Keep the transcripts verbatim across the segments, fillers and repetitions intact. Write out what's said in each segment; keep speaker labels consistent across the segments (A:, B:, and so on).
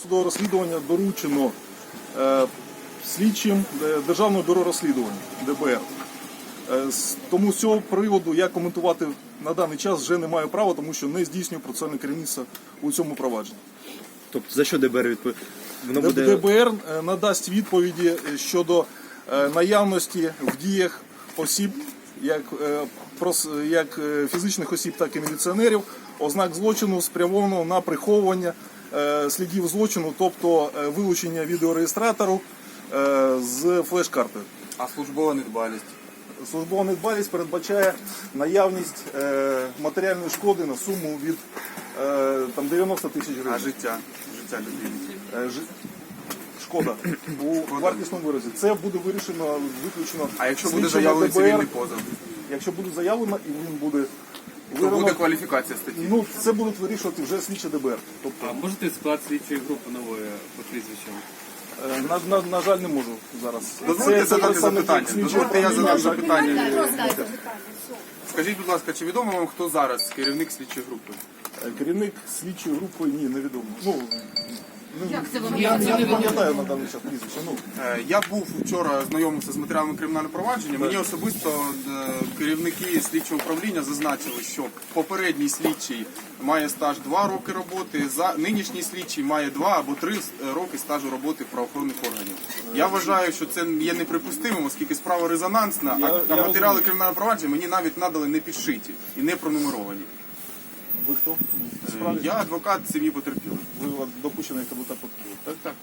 A: досудового розслідування доручено е, слідчим е, Державного бюро розслідувань Д Б Р. Е, з- тому з цього приводу я коментувати на даний час вже не маю права, тому що не здійснюю процесуальне керівництво у цьому провадженні.
B: Тобто за що Д Б Р відповідає? Воно
A: Д-
B: буде...
A: Д Б Р е, надасть відповіді щодо е, наявності в діях осіб, як, е, прос- як е, фізичних осіб, так і міліціонерів, ознак злочину, спрямованого на приховування е, слідів злочину, тобто е, вилучення відеореєстратору е, з флеш-карти.
C: А службова недбалість?
A: Службова недбалість передбачає наявність е, матеріальної шкоди на суму від е, там, дев'яносто тисяч
C: А
A: гривень.
C: життя? Життя людини?
A: Е, жи- Шкода у вартісному виразі. Це буде вирішено виключно.
C: А якщо буде
A: слідчими
C: заявлений
A: Д Б Р,
C: цивільний позов?
A: якщо буде заявлено і він буде
C: То буде
A: вирано,
C: кваліфікація статті?
A: ну це будуть вирішувати вже слідчі Д Б Р. Тобто,
D: А можете склад слідчої групи нової по прізвищам?
A: е, на, на, на жаль, не можу зараз.
C: Дозвольте задати
A: представники
C: запитання.
A: слідчого
C: Дозвольте я
A: управління.
C: задам запитання.
E: Роздайте.
C: Скажіть, будь ласка, чи відомо вам, хто зараз керівник слідчої групи?
A: Е, Керівник слідчої групи ні, невідомо. Ну,
E: Як це вам
A: я, я не
E: відомо?
A: пам'ятаю на даний час прізвище. Ну,
C: Е, Я був вчора знайомився з матеріалами кримінального провадження. Мені особисто е, керівники слідчого управління зазначили, що попередній слідчий має стаж два роки роботи, за нинішній слідчий має два або три роки стажу роботи правоохоронних органів. Я вважаю, що це є неприпустимим, оскільки справа резонансна,
A: Я-
C: а,
A: я
C: а матеріали
A: розумію.
C: кримінального провадження мені навіть надали не підшиті і не пронумеровані.
A: ви хто?
C: Е,
A: Справді,
C: Я адвокат сім'ї потерпілих.
A: ви от допущений як адвокат потерпілих, так?
C: Так.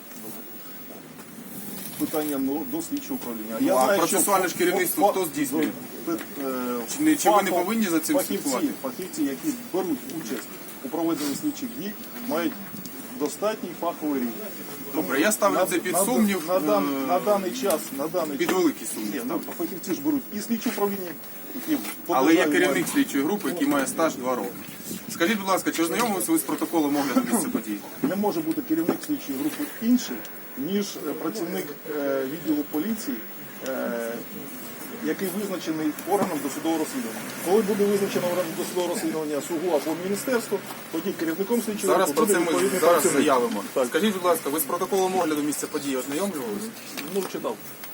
A: Питання ну, до слідчого управління.
C: Ну, а
A: знаю,
C: процесуальне
A: що
C: ж керівництво
A: фа-
C: хто здійснює?
A: е,
C: Чи не- чи ви не
A: фахов-
C: повинні за цим
A: фахівці,
C: слідкувати?
A: фахівці, які беруть участь у проведенні слідчих дій, мають достатній фаховий рівень.
C: Добре, я ставлю
A: На-
C: це під
A: на-
C: сумнів,
A: на, дан-
C: е,
A: на даний час, на даний
C: під
A: час.
C: великий сумнів.
A: Ні, ну, фахівці ж беруть і слідчі управління, які по
C: Але є
A: державі
C: керівник
A: мають.
C: слідчої групи, який має стаж два роки. Скажіть, будь ласка, чи ознайомилися ви з протоколом огляду місця події?
A: Не може бути керівник слідчої групи інший, ніж е, працівник е, відділу поліції, е, який визначений органом досудового розслідування. Коли буде визначено органом досудового розслідування СУГУ або міністерство, тоді керівником слідчої
C: Зараз
A: групи
C: про
A: буде
C: це ми
A: відповідний
C: зараз
A: працівник.
C: заявимо.
A: Так,
C: Скажіть, будь ласка, ви з протоколом огляду місця події ознайомлювалися?
A: ну читав.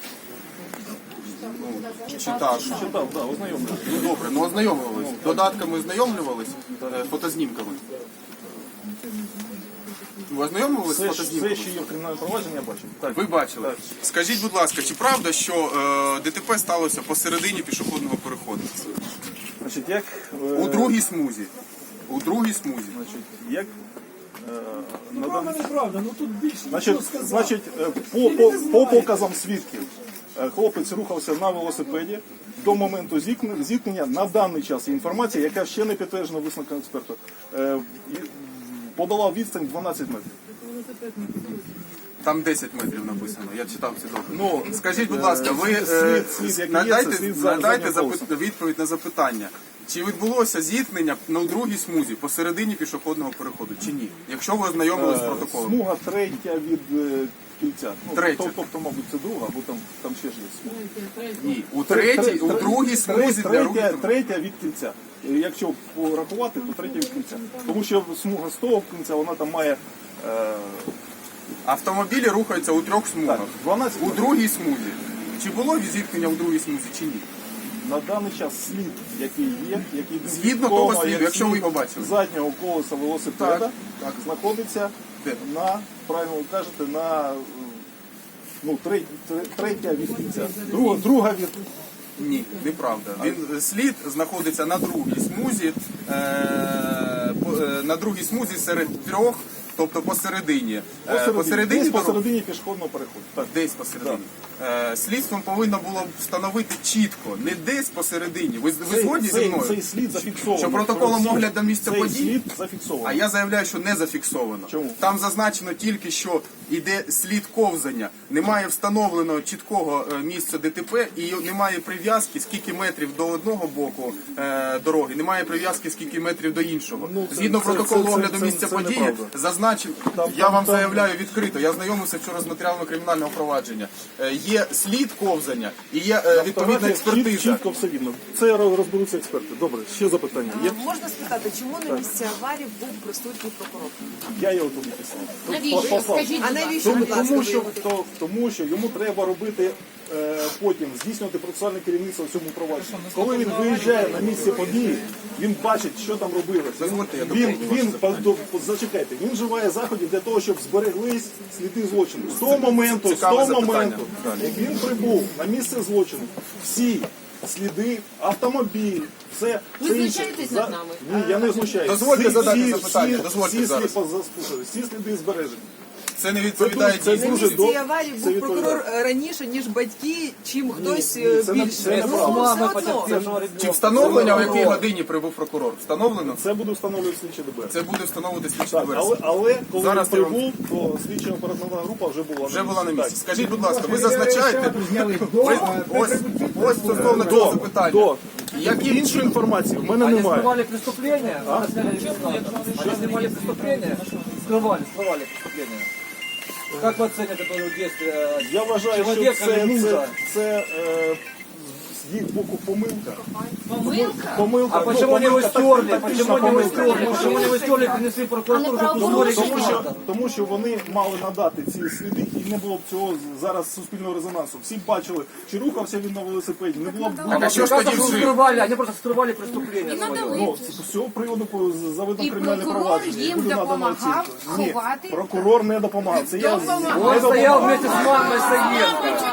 C: Читав.
A: Читав, так, ознайомлював.
C: Ну добре, ну ознайомлювалися. Додатками ознайомлювалися, е, фотознімками. Ви ознайомлювалися з
A: Все, все,
C: фотознімками?
A: що є в кримінальному провадженні, я бачив. Так.
C: Ви бачили.
A: Так.
C: Скажіть, будь ласка, чи правда, що е, Д Т П сталося посередині пішохідного переходу?
A: Значить, як, е,
C: У другій смузі. У другій смузі.
A: Значить, як е, на даний
F: Неправда, ну тут більше
A: Значить,
F: нічого сказати.
A: значить, е, по, по, по показам свідків, е, хлопець рухався на велосипеді до моменту зіткнення, зіткнення. На даний час є інформація, яка ще не підтверджена висновком експерту. Е, і подолав відстань дванадцять метрів.
C: Там десять метрів написано, я читав ці допити.
A: Ну,
C: Скажіть, будь ласка, ви
A: слід-
C: е,
A: слід, який є,
C: надайте,
A: це слід за
C: надайте
A: заднім
C: запит- відповідь на запитання. Чи відбулося зіткнення на другій смузі посередині пішохідного переходу, чи ні? Якщо ви ознайомилися з
A: Е,
C: протоколом.
A: Смуга третя від е, кільця. Ну,
C: Третя.
A: тоб- Тобто, мабуть, це друга, бо там, там ще ж є смуга.
C: Ні, у
A: Тре-
C: третій, у
A: тре-
C: другій
A: тре-
C: смузі для
A: третя,
C: руху.
A: третя від кільця. Е, Якщо порахувати, то третя від кільця. Тому що смуга з того кінця, вона там має е,
C: Автомобілі рухаються у трьох смугах.
A: так, дванадцять
C: У другій смузі. Чи було зіткнення у другій смузі, чи ні?
A: на даний час слід, який є, який
C: Згідно того
A: відомо,
C: сліду,
A: як
C: якщо ви
A: слід
C: його бачили.
A: заднього колеса велосипеда,
C: Так, так.
A: знаходиться
C: Де?
A: на, правильно ви кажете, на е, ну, третя, третя від кільця. Друга, друга від
C: Ні, неправда. Він слід знаходиться на другій смузі, е, по- е, на другій смузі серед трьох, тобто посередині. Е,
A: посередині, десь
C: дороги-
A: посередині пішохідного переходу. Так.
C: Десь посередині. Е, Слідством повинно було б встановити чітко, не десь посередині. Ви, ви
A: Цей,
C: згодні зі
A: цей,
C: мною?
A: цей слід зафіксований.
C: Що протоколом
A: Цей-
C: огляду місця
A: цей
C: подій?
A: слід
C: А
A: зафіксований.
C: я заявляю, що не зафіксовано.
A: Чому?
C: Там зазначено тільки, що йде слід ковзання. Немає встановленого чіткого е, місця Д Т П і немає прив'язки, скільки метрів до одного боку е, дороги, немає прив'язки, скільки метрів до іншого.
A: Ну, це-
C: Згідно
A: це-
C: протоколу
A: це- це-
C: огляду
A: це-
C: місця
A: це
C: події,
A: неправда.
C: зазначив,
A: Там-
C: я
A: там-
C: вам
A: там-
C: заявляю відкрито, я знайомився вчора з матеріалами кримінального провадження. Е, є слід ковзання і є е, відповідна експертиза.
A: Чіт- Чітко все видно. Це розберуться експерти. Добре, ще запитання є?
F: Можна спитати, чому на місці аварії був присутній прокурор?
A: Я його тут написав.
E: Навіщо?
A: Послав.
E: Скажіть,
F: А
E: будь ласка.
F: навіщо,
A: Тому,
F: будь ласка,
A: тому,
F: ви
A: що,
F: його
A: то, тому що йому треба робити е, потім здійснювати процесуальне керівництво в цьому провадженні. Коли він виїжджає на місце події, він бачить, що там робилося.
C: Дозвольте, я
A: Він,
C: доповню
A: він, він до- зачекайте, він вживає заходів для того, щоб збереглись сліди злочину. З того моменту, з
C: Цікаве
A: того
C: запитання.
A: моменту, як він прибув на місце злочину, всі сліди, автомобіль, все,
E: Ви
A: все інше.
E: знущаєтесь
A: За-
E: над нами?
A: Ні, я не знущаюся.
C: Дозвольте задати
A: всі,
C: запитання,
A: всі,
C: дозвольте
A: всі,
C: зараз.
A: слід- заслухайте, всі сліди збережені.
C: Це не відповідає
A: Це
C: дійсності.
F: На
A: дуже
F: місці
A: добре.
F: аварії
A: Це
F: був прокурор
A: відповідає.
F: е, раніше, ніж батьки, чим хтось
A: ні,
F: е,
A: це не-
F: більше.
A: це
F: Ну,
A: неправда.
F: все одно.
C: Чи встановлення, в якій годині прибув прокурор? Встановлено?
A: Це буде встановлювати слідчі ДБР.
C: Це буде встановити слідчі
A: Так,
C: ДБР.
A: але, але коли
C: Зараз
A: він
C: я вам-
A: прибув, то слідча оперативна група вже була
C: Вже була на місці.
A: Так.
C: Скажіть, будь ласка, ви зазначаєте, ви, ось, ось стосовно цього
A: До,
C: запитання.
A: до.
C: Яким
A: Іншої інформації в мене
G: Они
A: немає.
G: скрывали преступление, а? Сняли регистратор. Они снимали преступление, скрывали, скрывали преступление. Как вы оцените это действие?
A: Я вважаю, що
G: Чоловіка
A: це,
G: не нужно.
A: це, це е, з їх боку помилка.
E: Помилка?
A: Помилка.
G: А
A: ну,
G: почему они его
A: помилка,
G: стерли?
A: так-
G: Почему
A: тактична
G: они его
A: помилка.
G: стерли? Почему они его стерли и принесли в прокуратуру, чтобы
E: правопорушення.
G: узнали
A: Тому що,
G: регистратор?
A: тому що вони мали надати ці сліди, і не було б цього зараз суспільного резонансу. Всі б бачили, чи рухався він на велосипеді, не було б
C: Так, а що ж
G: Оказывается,
C: тоді
G: что
C: вжив?
G: скрывали, они просто скрывали преступление свое.
A: Ну, з цього приводу по- заведено
E: І
A: кримінальне
E: прокурор
A: провадження.
E: їм
A: буде надана
E: допомагав
A: оцінка. Ні,
E: ховати?
A: прокурор не допомагав. Це я
E: Допомагав.
A: не
G: Он стоял
A: допомагав.
G: вместе с мамой Саенко.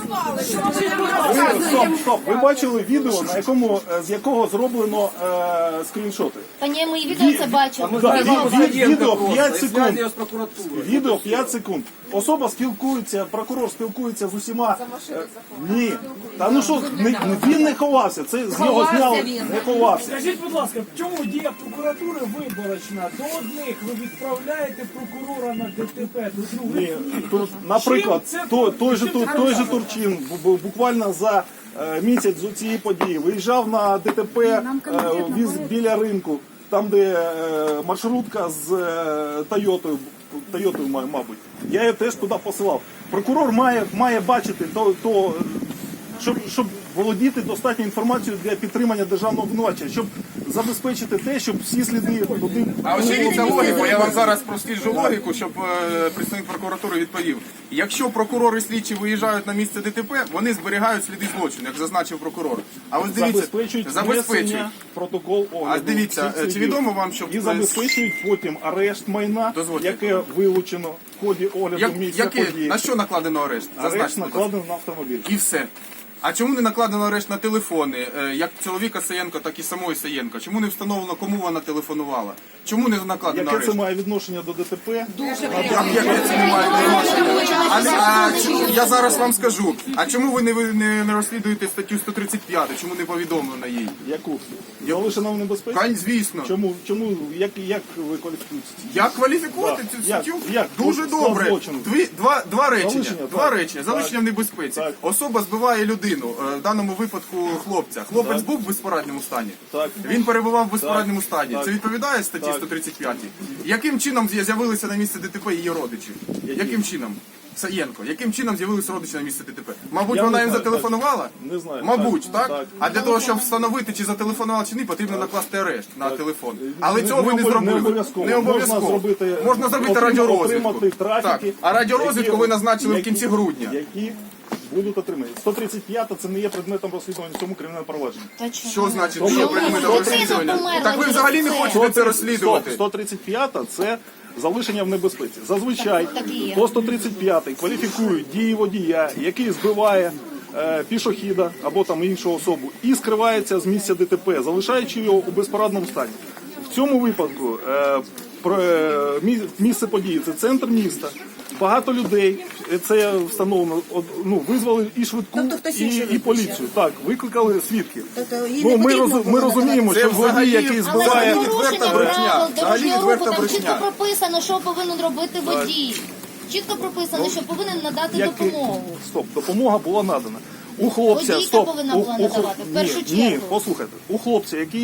A: Ви, стоп, стоп. Ви бачили відео, на якому е, з якого зроблено е, скріншоти?
H: Та ні, мої відео це бачимо.
G: Мы
A: Да,
G: знаем
A: ви-
G: маму
A: ви-
G: Саенко
A: відео
G: просто,
A: п'ять
G: и
A: секунд.
G: сняли ее с прокуратуры.
A: Відео п'ять секунд. Особа спілкується, прокурор спілкується з усіма. Е, Ні. Та ну що, не- він не ховався. Це з його
E: Ховався
A: зняли.
E: він.
A: Не ховався.
I: Скажіть, будь ласка, в чому дія прокуратури виборочна? До одних ви відправляєте прокурора на ДТП, до других
A: Ні,
I: ні.
A: тут, наприклад,
I: Чим це
A: той, той, же,
I: чим
A: Тур-
I: це
A: той же
I: хорошо?
A: Турчин бу- бу- буквально за е, місяць з цієї події виїжджав на ДТП е, віз біля ринку, там де е, маршрутка з е, Тойотою, Тойотою, ма- мабуть. Я її теж туди посилав. Прокурор має, має бачити то, то щоб, щоб володіти достатньою інформацією для підтримання державного обвинувачення, щоб забезпечити те, щоб всі сліди туди.
C: А ось дивіться логіку, я вам зараз просліджу логіку, щоб е, представник прокуратури відповів. Якщо прокурори слідчі виїжджають на місце ДТП, вони зберігають сліди злочину, як зазначив прокурор. А ось дивіться,
A: Забезпечують
C: забезпечують.
A: внесення протокол огляду.
C: А дивіться,
A: всіх
C: чи
A: слідів.
C: відомо вам, що
A: і забезпечують потім арешт майна,
C: Дозвольте.
A: яке вилучено в ході огляду
C: Як,
A: місця
C: яке,
A: події.
C: на що накладено арешт?
A: Арешт
C: Зазначте, будь ласка.
A: накладено на автомобіль.
C: І все. А чому не накладено арешт на телефони, е, як чоловіка Саєнко, так і самої Саєнко? Чому не встановлено, кому вона телефонувала? Чому не накладено
A: Яке
C: арешт?
A: це має відношення до ДТП?
C: Як, яке це не має відношення? А, а, чому- я зараз вам скажу. А чому ви не, ви не, не розслідуєте статтю сто тридцять п'ять? Чому не повідомлено їй?
A: Яку? Залишена в небезпеці?
C: Кань, звісно.
A: Чому, чому, як, як ви кваліфікуєте?
C: Як кваліфікувати
A: Да.
C: цю
A: Як?
C: статтю?
A: Як?
C: Дуже
A: Склад
C: добре.
A: злочину.
C: Дві, два, два речення.
A: Залишення,
C: Два
A: так.
C: речення. Залишення
A: Так.
C: в небезпеці.
A: Так.
C: Особа збиває людину, е, в даному випадку хлопця. Хлопець
A: Так.
C: був в безпорадньому стані.
A: Так.
C: Він перебував в безпорадному стані.
A: Так.
C: Це відповідає статті
A: Так.
C: сто тридцять п'ять? Яким чином з'я- з'явилися на місце ДТП її родичі? Яким чином? Саєнко, яким чином з'явилися родичі на місце ДТП? Мабуть,
A: Я
C: вона
A: не
C: їм
A: знаю,
C: зателефонувала?
A: Не знаю.
C: Мабуть, так?
A: Так.
C: А для того, щоб встановити, чи зателефонувала, чи ні, потрібно накласти арешт на телефон. Але
A: Не-
C: цього ви
A: не
C: не
A: обов-
C: зробили.
A: Не обов'язково.
C: Не обов'язково.
A: Можна зробити,
C: Можна зробити
A: отрим-
C: радіорозвідку.
A: отримати трафіки,
C: Так. А радіорозвідку
A: які-
C: ви назначили в
A: які-
C: кінці грудня.
A: Які будуть отримані. сто тридцять п'ять це не є предметом розслідування в цьому кримінальному провадженні.
H: Та чому?
C: Що значить,
A: Чому?
C: що предметом
H: Людина
C: розслідування?
H: померла
C: Так ви
H: через
C: взагалі не
H: це.
C: хочете це розслідувати.
A: сто тридцять п'ять це залишення в небезпеці. Зазвичай
H: Так, так і є.
A: по сто тридцять п'ять кваліфікують дії водія, який збиває е, пішохіда або там іншу особу і скривається з місця ДТП, залишаючи його у безпорадному стані. В цьому випадку е, про- е, мі- місце події це центр міста. Багато людей, е, це встановлено, от, ну, визвали і швидку,
F: Тобто хтось
A: і,
F: інший
A: і
F: викликав?
A: поліцію. Так, викликали свідків.
F: Тобто їй
A: Ну,
F: не
A: ми,
F: потрібно
A: роз-
F: було
A: ми розуміємо,
C: Це
A: що водій,
C: взагалі-
A: який
H: Але
A: збиває...
H: це
C: відверта
H: порушення
C: брехня.
H: правил
C: Взагалі
H: дорожнього руху,
C: відверта
H: там
C: брехня.
H: чітко прописано, що повинен робити водій. Чітко прописано, що повинен надати
A: Як-
H: допомогу.
A: Стоп, допомога була надана. У хлопця,
H: Водійка
A: стоп,
H: повинна
A: у-
H: була
A: у хл-
H: надавати, в першу
A: ні,
H: чергу.
A: Ні, послухайте, у хлопця, який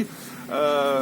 A: е,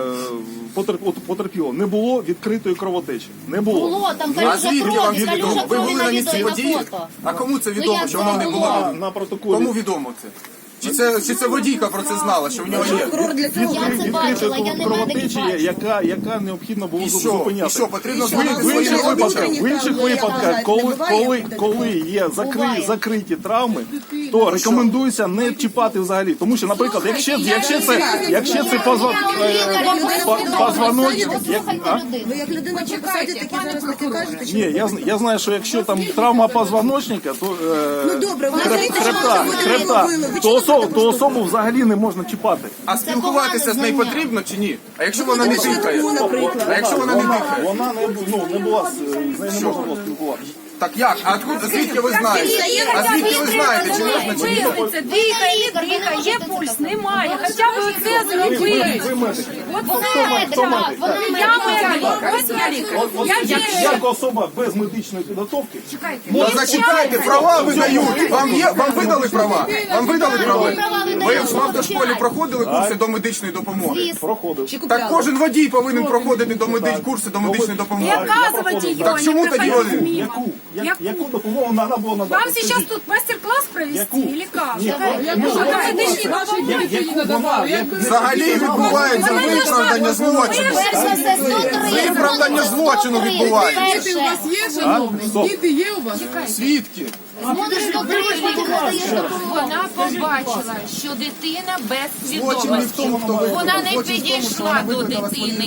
A: потерп- потерпілого, не було відкритої кровотечі. Не було.
H: Було, там
C: А
H: калюжа
C: звідки вам
H: крові,
C: відомо?
H: калюжа
C: Ви
H: крові
C: були на
H: на
C: місці
H: відео і
C: події?
H: на фото.
C: А кому це
H: Ну,
C: відомо,
H: як
C: що воно не
H: було?
C: було?
A: На, на протоколі.
C: Кому відомо це? Чи це, чи це водійка про це знала, що в нього є?
F: Прокурор для цього
H: Я це бачила, я не
A: кровотечі,
H: медик, бачу.
A: яка, яка необхідно було
C: І що?
A: зупиняти.
C: І що, потрібно
A: В,
C: зупинити
A: в інших
C: своїми
A: випадках,
C: обличчями?
A: в інших випадках, коли, коли, коли є закри,
H: Буває.
A: закриті травми, то рекомендується не чіпати взагалі. Тому що, наприклад, якщо, якщо це, якщо це позва, е, по- позвоночник, як, а?
F: Ви як людина по посаді такі зараз таке кажете? Чи
A: Ні, я, зн- я знаю, що якщо там травма позвоночника, то е,
F: Ну, добре, ви
A: хреб-
F: знаєте, що
A: хребта,
F: ви
A: хребта,
F: робили? Ви
A: то,
F: чого
A: особу,
F: так
A: то особу взагалі не можна чіпати.
C: А спілкуватися з нею
H: знання.
C: потрібно чи ні? А якщо вона не дихає? А якщо вона не дихає?
A: Вона не, бу- ну, не була, з з нею не можна було спілкуватися.
C: Так як? А откуда, звідки ви знаєте? А звідки ви знаєте, чи можна, чи ні?
H: Це дихає, дихає, є пульс, немає. Хоча б оце
A: Ви, ви,
H: зробити.
A: ви медик.
H: Вона медик, вона медик.
F: Ось я лікар.
A: От, от, як, як особа без медичної підготовки,
C: Та зачекайте, права видають. Вам є, вам видали права? Вам видали права? Ви в автошколі проходили курси до медичної допомоги?
A: проходив.
C: Так кожен водій повинен проходити до медич... курси до медичної допомоги. Так чому тоді вони?
A: Яку? Як, яку допомогу треба було надати?
J: Вам сейчас тут мастер-класс провести
A: Яку?
J: или как?
A: Ні,
J: Ну,
A: ну,
J: какая медичная
A: я-
J: допомога?
A: яку вона, як-
C: Взагалі відбувається виправдання злочину.
H: Перш за все, суд реєструє.
C: Виправдання злочину відбувається.
H: Перше.
J: Є,
A: А? Стоп.
J: діти є у вас?
C: Свідки.
H: Смотриш, хто приїхав, надаєш допомогу.
E: Вона побачила, що дитина без
C: Злочин не в тому, хто
E: свідомості.
C: викрав.
E: Вона не
C: Злочин в тому, що
E: підійшла
C: вона
E: до
C: викликала
E: дитини.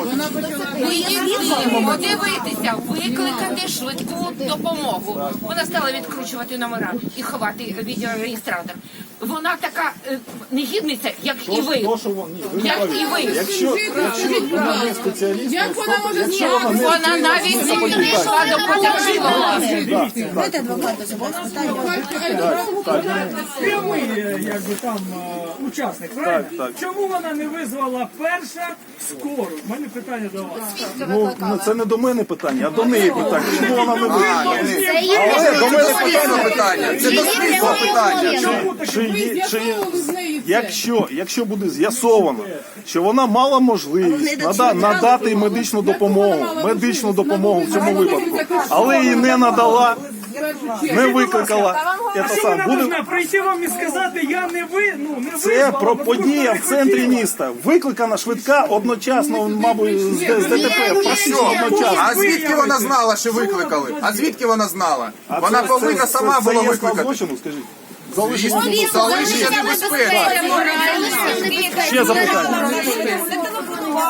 C: своїх родичів.
E: Вийти, подивитися, викликати швидку допомогу. Вона стала відкручувати номера і ховати відеореєстратор. Вона така е, негідниця, як і ви.
A: То, що вон- ні, ви не
E: Як
A: праві.
E: і ви.
A: Якщо, якщо вона не спеціаліст,
J: Як вона може
A: якщо вона не
E: Вона навіть не підійшла до потерпілого.
F: Давайте адвоката сюди спитаємо.
I: Прямий, е, якби там е, учасник, правильно?
A: так.
I: Чому вона не визвала перша скору? У мене питання до вас.
A: ну, ну, це не до мене питання, а до неї питання. Чому вона не
C: А,
A: вийшла?
C: ні.
H: Це її
C: Це до мене
H: обов'язок.
C: питання питання. Це до слідства питання.
I: Чому таке?
A: Чи, є- чи, якщо, якщо буде з'ясовано, що вона мала можливість нада, надати медичну допомогу, медичну допомогу в цьому випадку, але її не надала, не викликала,
I: А
A: це
I: що вона
A: сам буде.
I: повинна прийти вам і сказати, я не ви, ну не
A: Це
I: визвала,
A: про
I: бо
A: подія в
I: просто
A: центрі
I: не хотіла.
A: міста. Викликана швидка одночасно, мабуть, з, з ДТП. Практично одночасно.
C: А звідки вона знала, що викликали? А звідки вона знала?
A: А
C: Вона
A: це-
C: повинна
A: це-
C: сама
A: це
C: була
A: є склад
C: викликати.
A: злочину, скажіть. Залишення
C: Звісно, залишення небезпеки.
A: Ще запитання.
H: Небезпечно.